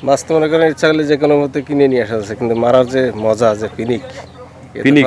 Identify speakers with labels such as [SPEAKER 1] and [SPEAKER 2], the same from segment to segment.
[SPEAKER 1] মাছ তো মনে করেন ইচ্ছা করলে যে কোনো মতে কিনে নিয়ে আসা যাচ্ছে, কিন্তু মারার যে মজা, যে ফিনিক,
[SPEAKER 2] ফিনিক?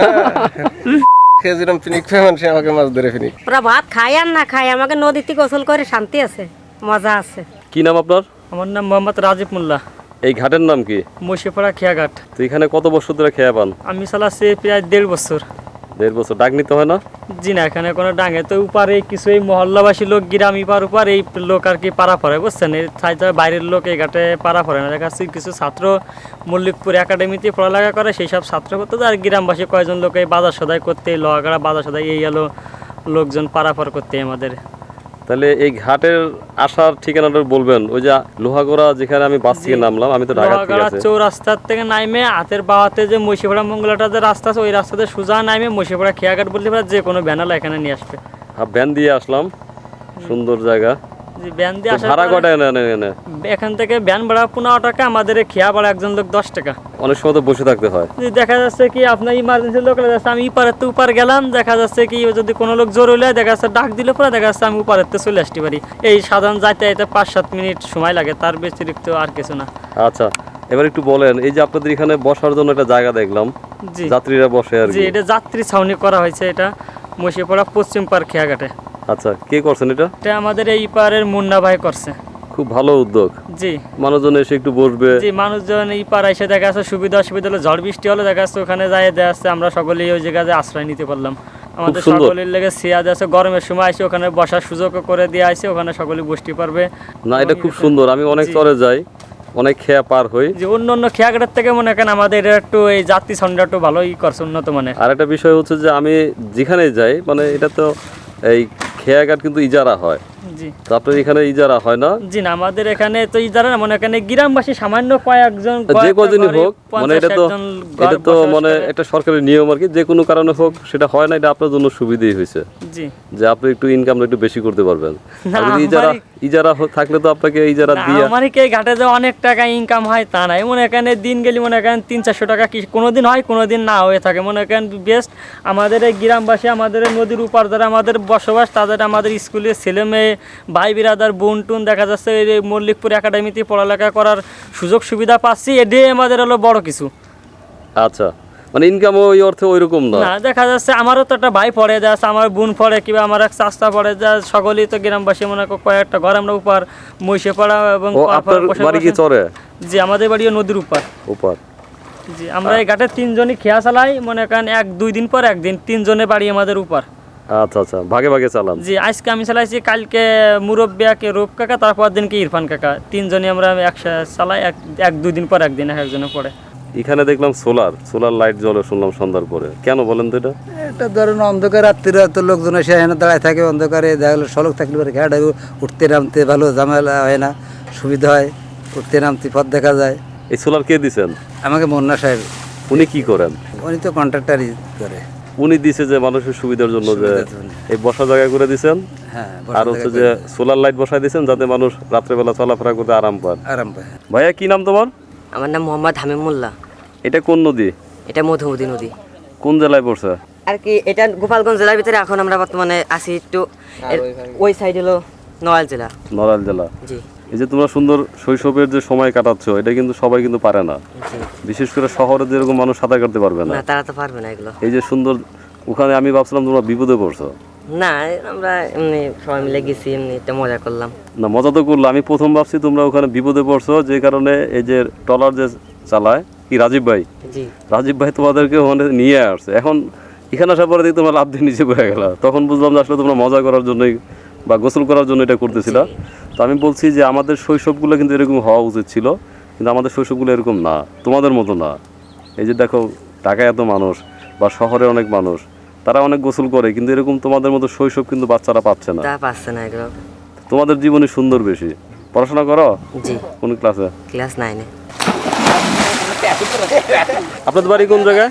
[SPEAKER 1] যেরকম ফিনিক পেয়ে মানুষ আমাকে মাছ ধরে ফিনিক।
[SPEAKER 3] ওরা ভাত খায় আর না খায়, আমাকে নদীতে গোসল করে শান্তি আছে, মজা আছে।
[SPEAKER 2] কি নাম আপনার?
[SPEAKER 4] আমার নাম মোহাম্মদ রাজীব মোল্লা।
[SPEAKER 2] এই ঘাটের নাম কি?
[SPEAKER 4] মশিপাড়া খেয়াঘাট।
[SPEAKER 2] তো এখানে কত বছর ধরে খেয়া পান?
[SPEAKER 4] আমি চালাচ্ছি প্রায় 1.5 বছর।
[SPEAKER 2] 1.5 বছর। ডাক নিতে হয় না?
[SPEAKER 4] জি না, এখানে কোনো ডাঙে তো উপারে কিছু এই মহল্লাবাসী লোক গ্রাম ইপার উপর এই লোক আর কি পাড়া পড়ে, বুঝছেন? এই বাইরের লোক এই ঘাটে পাড়া পড়ে না। দেখা যাচ্ছে কিছু ছাত্র মল্লিকপুর একাডেমিতে পড়ালেখা করে, সেই সব ছাত্র করতে, আর গ্রামবাসী কয়েকজন লোক এই বাজার সদাই করতে, লোহাগাড়া বাজার সদাই এই এলো লোকজন পারাপার করতে আমাদের।
[SPEAKER 2] তাহলে এই ঘাটের আসার ঠিকানাটা বলবেন। ওই যে লোহাগড়া যেখানে আমি বাস থেকে নামলাম, আমি তো ঢাকা থেকে
[SPEAKER 4] লোহাগাড়া
[SPEAKER 2] আছি।
[SPEAKER 4] চৌরাস্তার থেকে নাইমে হাতের বাহাতে যে মশিপাড়া মঙ্গলাটা যে রাস্তা আছে, ওই রাস্তাতে সোজা নাইমে মশিপাড়া খেয়াঘাট বলতে পারে, যে কোনো ব্যানালা এখানে নিয়ে আসবে।
[SPEAKER 2] হ্যাঁ, ভ্যান দিয়ে আসলাম, সুন্দর জায়গা।
[SPEAKER 4] জি, ব্যান দিয়ে আসার
[SPEAKER 2] ভাড়া
[SPEAKER 4] পরে
[SPEAKER 2] কটা এনে?
[SPEAKER 4] এখান থেকে ব্যান ভাড়া 15 টাকা, আমাদের খেয়া ভাড়া একজন লোক 10 টাকা।
[SPEAKER 2] অনেক সময় তো বসে থাকতে হয়।
[SPEAKER 4] যদি দেখা যাচ্ছে কি আপনার ইমার্জেন্সি লোক যাচ্ছে, আমি ইপারেতে উপার গেলাম, দেখা যাচ্ছে কি যদি কোনো লোক জোর হলে দেখা যাচ্ছে ডাক দিলে পরে দেখা যাচ্ছে আমি উপারেতে চলে আসতে পারি। এই সাধারণ যাইতে যাইতে 5-7 মিনিট সময় লাগে, তার ব্যতিরিক্ত আর কিছু না।
[SPEAKER 2] আচ্ছা, এবার একটু বলেন, এই যে আপনাদের এখানে বসার জন্য একটা জায়গা দেখলাম,
[SPEAKER 4] জি
[SPEAKER 2] যাত্রীরা বসে আর
[SPEAKER 4] জি,
[SPEAKER 2] কি।
[SPEAKER 4] এটা যাত্রী ছাউনি করা হয়েছে, এটা মশিপাড়া পশ্চিম পার খেয়াঘাটে।
[SPEAKER 2] আচ্ছা, কে করছেন এটা?
[SPEAKER 4] এটা আমাদের এই পারের মুন্না ভাই করছে।
[SPEAKER 2] খুব ভালো উদ্যোগ।
[SPEAKER 4] জি
[SPEAKER 2] মানুষজন এসে একটু বসবে।
[SPEAKER 4] জি, মানুষজন এই পার এসে দেখা যাচ্ছে সুবিধা অসুবিধা হলো, ঝড় বৃষ্টি হলো দেখা যাচ্ছে ওখানে যাই দেখা যাচ্ছে আমরা সকলেই ওই জায়গায় আশ্রয় নিতে পারলাম। আমাদের
[SPEAKER 2] সুন্দর।
[SPEAKER 4] সকলের লেগে চেয়ার আছে, গরমের সময় আসে ওখানে বসার সুযোগ করে দিয়ে আসে, ওখানে সকলে বসতে পারবে।
[SPEAKER 2] না, এটা খুব সুন্দর। আমি অনেক চরে যাই, অনেক খেয়া পার হই।
[SPEAKER 4] যে অন্য অন্য খেয়াঘাটের থেকে মনে করেন আমাদের এটা একটু এই যাত্রী সংখ্যা একটু ভালোই করছে, উন্নত মানের।
[SPEAKER 2] আর একটা বিষয় হচ্ছে যে আমি যেখানে যাই, মানে এটা তো এই খেয়াঘাট কিন্তু ইজারা হয়,
[SPEAKER 4] জি
[SPEAKER 2] তো আপনার এখানে ইজারা হয় না?
[SPEAKER 4] জি না, আমাদের এখানে তো যারা মনে করেন গ্রামবাসী সামান্য কয়েকজন,
[SPEAKER 2] যে কজনই হোক, মানে এটা তো মানে একটা সরকারি নিয়ম আর কি, যে কোনো কারণে হোক সেটা হয় না, এটা আপনার জন্য সুবিধাই হয়েছে
[SPEAKER 4] জি
[SPEAKER 2] যে আপনি একটু ইনকামটা একটু বেশি করতে পারবেন।
[SPEAKER 4] না,
[SPEAKER 2] আর যদি ইজারা থাকলে তো আপনাকে ইজারা দিয়ে
[SPEAKER 4] আমার কি ঘাটে যে অনেক টাকা ইনকাম হয় তা নাই, মনে করেন দিন গেলে মনে করেন 300-400 টাকা কি কোনোদিন হয়, কোনোদিন না হয়ে থাকে। মনে করেন বেস্ট আমাদের এই গ্রামবাসী, আমাদের এই নদীর উপর যারা আমাদের বসবাস, তাদের আমাদের স্কুলের ছেলে মেয়ে ভাই বিরাদার বোন টুন দেখা যাচ্ছে এই মল্লিকপুর একাডেমিতে পড়ালেখা করার সুযোগ সুবিধা পাচ্ছি, এটাই আমাদের হলো বড় কিছু।
[SPEAKER 2] আচ্ছা, মানে ইনকাম ওই অর্থে ওইরকম না।
[SPEAKER 4] না, দেখা যাচ্ছে আমারও তো একটা ভাই পড়ে যাচ্ছে, আমার বোন পড়ে, কিংবা আমার এক চাচা পড়ে, যা সকলেই তো গ্রামবাসী মনে করো কয়েকটা ঘর আমরা উপর মহিষেপাড়া এবং
[SPEAKER 2] আপনার বাড়ি কি চরে?
[SPEAKER 4] জি, আমাদের বাড়িও নদীর উপর। জি, আমরা এই ঘাটে 3 জনই খেয়া চালাই, মনে করেন 1-2 দিন পর একদিন 3 জনে বাড়ি আমাদের উপর।
[SPEAKER 2] আচ্ছা আচ্ছা, ভাগে ভাগে চালান।
[SPEAKER 4] জি, আজকে আমি চালাইছি, কালকে মুরব্বিয়াকে রূপ কাকা, তারপর দিনকে ইরফান কাকা, 3 জনই আমরা একসাথে চালাই, 1-2 দিন পর একদিন একজনে পড়ে।
[SPEAKER 2] এখানে দেখলাম সোলার লাইট জ্বলে, শুনলাম সন্ধ্যার পরে। কেন বলেন তো এটা?
[SPEAKER 5] এটা ধরুন অন্ধকার রাত্রিরা তো লোকজন এসে এখানে দাঁড়ায় থাকে, অন্ধকারে দেখা গেলো সড়ক থাকলে পরে ঘাট উঠতে নামতে ভালো ঝামেলা হয় না, সুবিধা হয়, উঠতে নামতে পথ দেখা যায়।
[SPEAKER 2] এই সোলার কে দিছেন?
[SPEAKER 5] আমাকে মুন্না সাহেব।
[SPEAKER 2] উনি কি করেন?
[SPEAKER 5] উনি তো কন্ট্রাক্টারই করে।
[SPEAKER 2] উনি দিছে যে মানুষের সুবিধার জন্য, যে
[SPEAKER 5] সুবিধার জন্য।
[SPEAKER 2] এই বসা জায়গা করে দিছেন,
[SPEAKER 5] হ্যাঁ,
[SPEAKER 2] আর হচ্ছে যে সোলার লাইট বসাই দিছেন যাতে মানুষ রাত্রেবেলা চলাফেরা করতে আরাম পান।
[SPEAKER 5] আরাম পায়।
[SPEAKER 2] ভাইয়া, কি নাম তোমার?
[SPEAKER 6] আমার নাম মোহাম্মদ হামিম মোল্লা।
[SPEAKER 2] এটা কোন নদী?
[SPEAKER 6] এটা মধুমতি নদী।
[SPEAKER 2] কোন জেলায় পড়ছে?
[SPEAKER 6] আর কি এটা গোপালগঞ্জ জেলার ভিতরে, এখন আমরা বর্তমানে আছি একটু ওই সাইড হলো নড়াইল জেলা।
[SPEAKER 2] নড়াইল জেলা।
[SPEAKER 6] জি
[SPEAKER 2] এই যে তোমরা সুন্দর শৈশবের যে সময় কাটাচ্ছ, এটা কিন্তু সবাই কিন্তু পারে না,
[SPEAKER 6] জি।
[SPEAKER 2] বিশেষ করে শহরে যেরকম মানুষ সাঁতার কাটতে পারবে না।
[SPEAKER 6] না, তারা তো পারবে না এগুলো।
[SPEAKER 2] এই যে সুন্দর, ওখানে আমি ভাবছিলাম তোমরা বিপদে পড়ছো।
[SPEAKER 6] না, আমরা এমনি সবাই মিলে গেছি, এমনি একটা মজা করলাম।
[SPEAKER 2] না, মজা তো করলো। আমি প্রথম ভাবছি তোমরা ওখানে বিপদে পড়ছো, যে কারণে এই যে ট্রলার যে চালায় কি রাজীব ভাই তোমাদেরকে ওখানে নিয়ে আসছে। এখন এখানে আসার পরে তোমরা লাভ দিয়ে নিচে পড়ে গেলা, তখন বুঝলাম যে আসলে তোমরা মজা করার জন্যই বা গোসল করার জন্য এটা করতেছিলা। তো আমি বলছি যে আমাদের শৈশবগুলো কিন্তু এরকম হওয়া উচিত ছিল, কিন্তু আমাদের শৈশবগুলো এরকম না, তোমাদের মতো না। এই যে দেখো, ঢাকায় এত মানুষ বা শহরে অনেক মানুষ, তারা অনেক গোসল করে, কিন্তু এরকম তোমাদের মতো শৈশব কিন্তু বাচ্চারা পাচ্ছে না।
[SPEAKER 6] তা পাচ্ছে না এগুলো।
[SPEAKER 2] তোমাদের জীবনে সুন্দর বেশি। পড়াশোনা করো?
[SPEAKER 6] জি,
[SPEAKER 2] কোন ক্লাসে?
[SPEAKER 6] ক্লাস 9-এ।
[SPEAKER 2] আপনাদের বাড়ি কোন জায়গায়?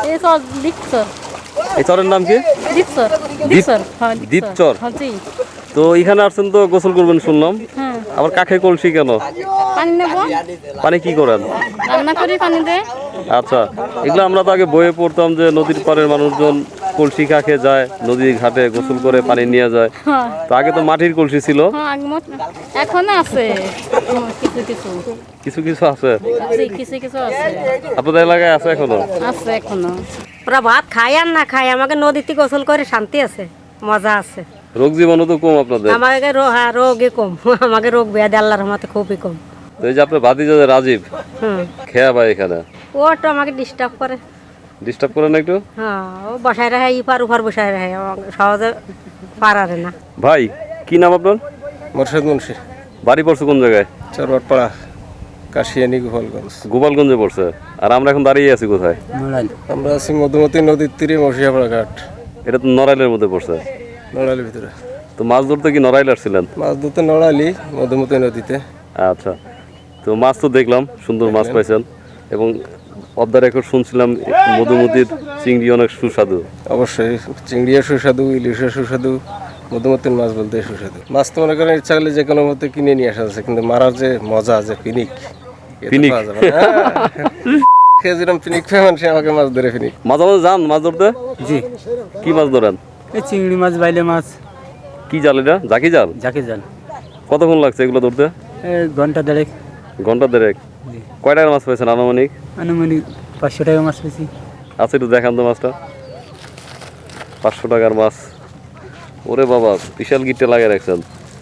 [SPEAKER 2] এই চরের নাম কি? দ্বীপচর। তো এখানে আসছেন তো গোসল করবেন শুনলাম, আবার কাঠে কলসি কেন?
[SPEAKER 7] পানি নেব।
[SPEAKER 2] পানি কি করেন?
[SPEAKER 7] রান্না করি পানি দিয়ে।
[SPEAKER 2] আচ্ছা, এগুলো আমরা তো আগে বইয়ে পড়তাম যে নদীর পাড়ের মানুষজন কলসি কাকে যায় নদী ঘাটে গোসল করে পানি নিয়ে যায়, তো আগে তো মাটির কলসি ছিল,
[SPEAKER 7] এখন আছে কিছু কিছু
[SPEAKER 2] কিছু কিছু আছে
[SPEAKER 7] কিছু কিছু আছে
[SPEAKER 2] আপনাদের এলাকায় আছে এখনো?
[SPEAKER 7] আছে এখনো।
[SPEAKER 3] ওরা ভাত খায় আর না খায় আমাকে নদীতে গোসল করে শান্তি আছে, মজা আছে।
[SPEAKER 2] রোগ জীবাণু তো কম আপনাদের?
[SPEAKER 3] আমাকে রোগে কম, আমাকে রোগ ব্যাধি আল্লাহর রহমতে খুবই কম।
[SPEAKER 2] তো এই যে আপনার ভাতিজা যে রাজীব খেয়া ভাই এখানে,
[SPEAKER 3] ও একটু আমাকে ডিস্টার্ব করে।
[SPEAKER 2] ডিস্টার্ব করে না একটু?
[SPEAKER 3] হ্যাঁ, ও বসায় রাখে, ইপার উপার বসায় রাখে, আমাকে সহজে পারারে না।
[SPEAKER 2] ভাই কি নাম আপনার?
[SPEAKER 1] মোরশেদ মুন্সি,
[SPEAKER 2] বাড়ি পড়ছে কোন জায়গায়?
[SPEAKER 1] চরবাটপাড়া, কাশিয়ানি, গোপালগঞ্জ।
[SPEAKER 2] গোপালগঞ্জে পড়ছে। আর আমরা এখন দাঁড়িয়ে আছি কোথায়?
[SPEAKER 1] আমরা আছি মধুমতি নদীর তীরে, মসিয়াপাড়া ঘাট,
[SPEAKER 2] এটা তো নড়াইলের মধ্যে পড়ছে।
[SPEAKER 1] নড়ালির ভিতরে।
[SPEAKER 2] তো মাছ ধরতে কি নড়াইল আসছিলেন?
[SPEAKER 1] মাছ ধরতে নড়ালি, মধুমতি নদীতে।
[SPEAKER 2] আচ্ছা, তো মাছ তো দেখলাম, সুন্দর মাছ পাইছেন, এবং পদ্মার এখন শুনছিলাম মধুমতির চিংড়ি অনেক সুস্বাদু।
[SPEAKER 1] অবশ্যই চিংড়িয়া সুস্বাদু, ইলিশের সুস্বাদু, মধুমতির মাছ বলতে সুস্বাদু। মাছ তো মনে করেন ইচ্ছা করলে যে কোনো মতে কিনে নিয়ে আসা যাচ্ছে, কিন্তু মারার যে মজা, যে পিনিক, এ তো
[SPEAKER 2] পিনিক?
[SPEAKER 1] পাওয়া যাবে না। খেয়ে যেরকম পিনিক খেয়ে মানুষ আমাকে মাছ ধরে পিনিক।
[SPEAKER 2] মাঝে মাঝে যান মাছ ধরতে?
[SPEAKER 8] জি।
[SPEAKER 2] কি মাছ ধরেন?
[SPEAKER 8] এই চিংড়ি মাছ, বাইলে মাছ।
[SPEAKER 2] কি জাল এটা? জাকি জাল?
[SPEAKER 8] জাকে জাল।
[SPEAKER 2] কতক্ষণ লাগছে এগুলো ধরতে?
[SPEAKER 8] ঘন্টা দেড়েক।
[SPEAKER 2] ঘন্টা দেড়েক। কয় টাকার মাছ পাইছেন আনুমানিক?
[SPEAKER 8] আনুমানিক 500 টাকা মাছ পেয়েছি।
[SPEAKER 2] আচ্ছা, একটু দেখান তো মাছটা। 500 টাকার মাছ। ওরে বাবা, বিশাল গিটে লাগিয়ে রাখছেন।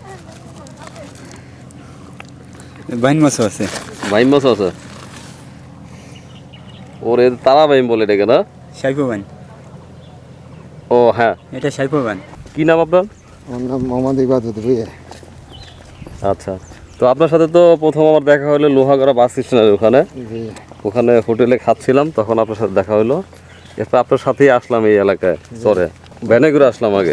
[SPEAKER 8] বাইন মাছও আছে।
[SPEAKER 2] বাইম মাছ আছে? ওরে তারা বাইম বলে এটাকে না?
[SPEAKER 8] সাইফো বাইন।
[SPEAKER 2] ও হ্যাঁ,
[SPEAKER 8] এটা সাইফো বাইন।
[SPEAKER 2] কি নাম আপনার?
[SPEAKER 5] আমার নাম মোহাম্মদ ইবাদত ভুইয়া।
[SPEAKER 2] আচ্ছা, তো আপনার সাথে তো প্রথম আমার দেখা হলো লোহাগড়া বাস স্টেশনের ওখানে। ওখানে হোটেলে খাচ্ছিলাম, তখন আপনার সাথে দেখা হলো। এরপর আপনার সাথেই আসলাম এই এলাকায়, চরে ভ্যানে করে আসলাম আগে।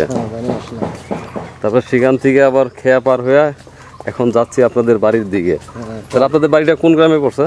[SPEAKER 2] তারপর সেখান থেকে আবার খেয়া পার হয়ে এখন যাচ্ছি আপনাদের বাড়ির দিকে। তাহলে আপনাদের বাড়িটা কোন গ্রামে পড়ছে?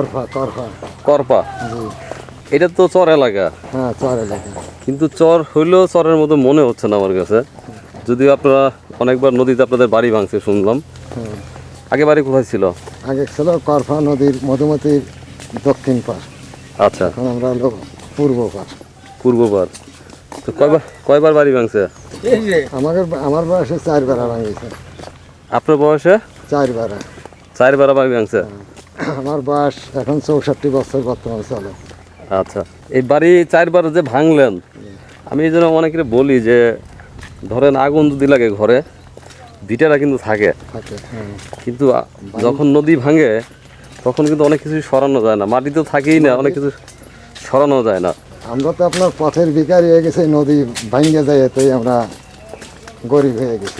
[SPEAKER 2] করপা। এটা তো চর এলাকা।
[SPEAKER 5] হ্যাঁ, চর এলাকা।
[SPEAKER 2] কিন্তু চর হইলেও চরের মতো মনে হচ্ছে না আমার কাছে, যদিও আপনারা অনেকবার নদীতে আপনাদের বাড়ি ভাঙছে শুনলাম। আগে বাড়ি কোথায় ছিল?
[SPEAKER 5] আগে ছিল করফা নদীর মধুমতির দক্ষিণ পার।
[SPEAKER 2] আচ্ছা,
[SPEAKER 5] এখন আমরা হলো পূর্ব পার।
[SPEAKER 2] পূর্ববার। তো কয়বার বাড়ি ভাঙছে?
[SPEAKER 5] আমার বয়সে 4 বেড়া ভাঙিয়েছে।
[SPEAKER 2] আপনার বয়সে?
[SPEAKER 5] 4 বেড়া।
[SPEAKER 2] 4 বেড়া বাড়ি ভাঙছে?
[SPEAKER 5] আমার বয়স এখন 64 বছর বর্তমানে চলে।
[SPEAKER 2] আচ্ছা, এই বাড়ি 4 বার যে ভাঙলেন, আমি এই জন্য অনেকে বলি যে ধরেন আগুন যদি লাগে ঘরে, ভিটারা কিন্তু থাকে, কিন্তু যখন নদী ভাঙে তখন কিন্তু অনেক কিছু সরানো যায় না, মাটি তো থাকেই না, অনেক কিছু সরানো যায় না।
[SPEAKER 5] আমরা তো আপনার পথের ভিখারি হয়ে গেছি, নদী ভাঙে যায় এতেই আমরা গরিব হয়ে গেছি।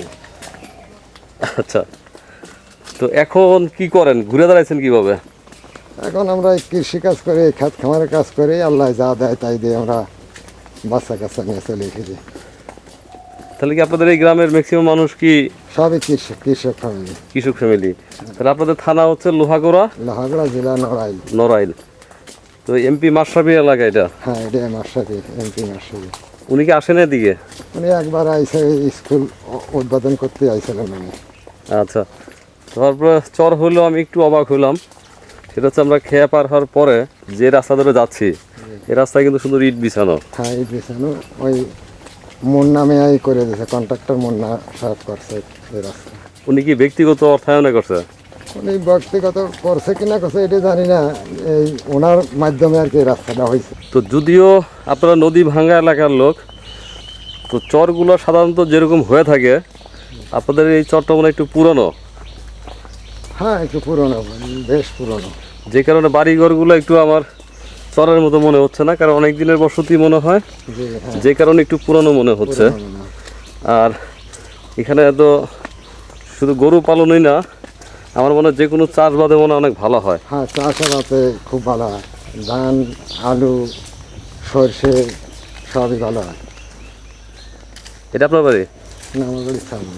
[SPEAKER 2] আচ্ছা, তো এখন কি করেন, ঘুরে দাঁড়াইছেন কিভাবে?
[SPEAKER 5] এখন আমরা কৃষি কাজ করে, খাত খামারের কাজ করে, আল্লাহ যা দেয় তাই দিয়ে আমরা বাচ্চা কাচ্চা নিয়ে চলে এসেছি।
[SPEAKER 2] তাহলে কি আপনাদের এই গ্রামের ম্যাক্সিমাম মানুষ কি
[SPEAKER 5] সবই কৃষক ফ্যামিলি?
[SPEAKER 2] কৃষক ফ্যামিলি। তাহলে আপনাদের থানা হচ্ছে লোহাগড়া,
[SPEAKER 5] লোহাগড়া জেলা, নড়াইল।
[SPEAKER 2] নড়াইল। তো এমপি মাশরাফি এলাকা এটা?
[SPEAKER 5] হ্যাঁ, এটা মাশরাফি, এমপি মাশরাফি।
[SPEAKER 2] উনি কি আসেন এদিকে?
[SPEAKER 5] উনি একবার আইসে, স্কুল উদ্বোধন করতে আইছিলেন উনি।
[SPEAKER 2] আচ্ছা, তারপরে চর হলো আমি একটু অবাক হলাম, সেটা হচ্ছে আমরা খেয়া পার হওয়ার পরে যে রাস্তা ধরে যাচ্ছি, এই রাস্তায় কিন্তু সুন্দর ইট বিছানো।
[SPEAKER 5] হ্যাঁ, ইট বিছানো। ওই মুন্না মেয়াই করে দিয়েছে, কন্ট্রাক্টর মুন্না সাহেব করছে এই রাস্তা।
[SPEAKER 2] উনি কি ব্যক্তিগত অর্থায়নে করছে?
[SPEAKER 5] উনি ব্যক্তিগত করছে কিনা করছে এটা জানি না, এই ওনার মাধ্যমে আর কি রাস্তাটা হয়েছে।
[SPEAKER 2] তো যদিও আপনারা নদী ভাঙ্গা এলাকার লোক, তো চরগুলো সাধারণত যেরকম হয়ে থাকে, আপনাদের এই চরটা মনে হয় একটু পুরনো।
[SPEAKER 5] হ্যাঁ, একটু পুরনো, বেশ পুরনো।
[SPEAKER 2] যে কারণে বাড়িঘরগুলো একটু আমার চরের মতো মনে হচ্ছে না, কারণ অনেক দিনের বসতি মনে হয়, যে কারণে একটু পুরনো মনে হচ্ছে। আর এখানে তো শুধু গরু পালনই না, আমার মনে হয় যে কোনো চাষবাদে মনে হয় অনেক ভালো হয়।
[SPEAKER 5] হ্যাঁ, চাষাবাদে খুব ভালো হয়, ধান, আলু, সর্ষে সবই ভালো হয়।
[SPEAKER 2] এটা আপনার বাড়ি?
[SPEAKER 5] না, আমার বাড়ির সামনে।